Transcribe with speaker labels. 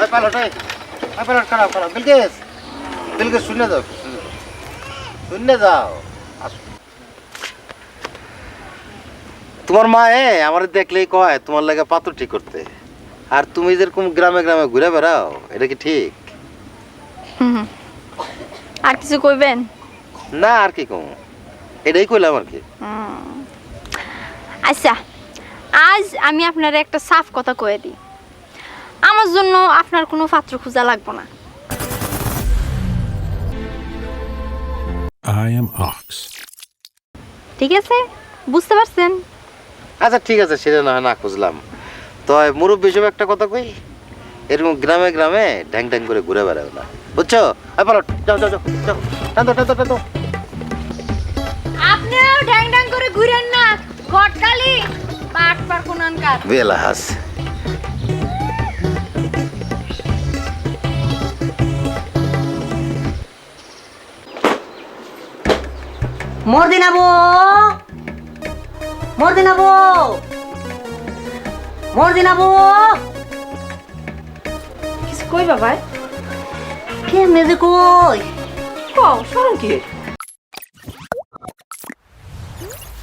Speaker 1: Pilot pilot খারাপ খারাপ বিলকেস বিলকেস শুনে যাও শুনে যাও তোমার মা আমার দেখলেই কয় তোমার লাগে পাত্র ঠিক করতে আর তুমি যেরকম গ্রামে গ্রামে ঘুরে বেড়াও এটা কি ঠিক
Speaker 2: আর কিছু কইবেন
Speaker 1: না আর কি কম এটাই কইলাম আর কি
Speaker 2: আচ্ছা আজ আমি আপনার একটা সাফ কথা কয়ে দিই আমার জন্য আপনার কোনো পাত্র খোঁজা লাগবে না
Speaker 3: I am Ox.
Speaker 2: ঠিক আছে বুঝতে পারছেন
Speaker 1: আচ্ছা ঠিক আছে সেটা না হয় না খুঁজলাম তো মুরব্বী হিসেবে একটা কথা কই এরকম গ্রামে গ্রামে ঢ্যাং ঢ্যাং করে ঘুরে বেড়াও না বুঝছো পাইলট যাও যাও যাও যাও টানো টানো টানো
Speaker 2: আপনিও ঢ্যাং ঢ্যাং করে ঘুরেন না গটকালি পাট পার কোনানকার
Speaker 1: বেলাহাস
Speaker 4: মর্দিনাবু মর্দিনাবু মর্দিনাবু
Speaker 5: কিছু কই বাবা
Speaker 4: কেমনে যে কই
Speaker 5: কও শরম কি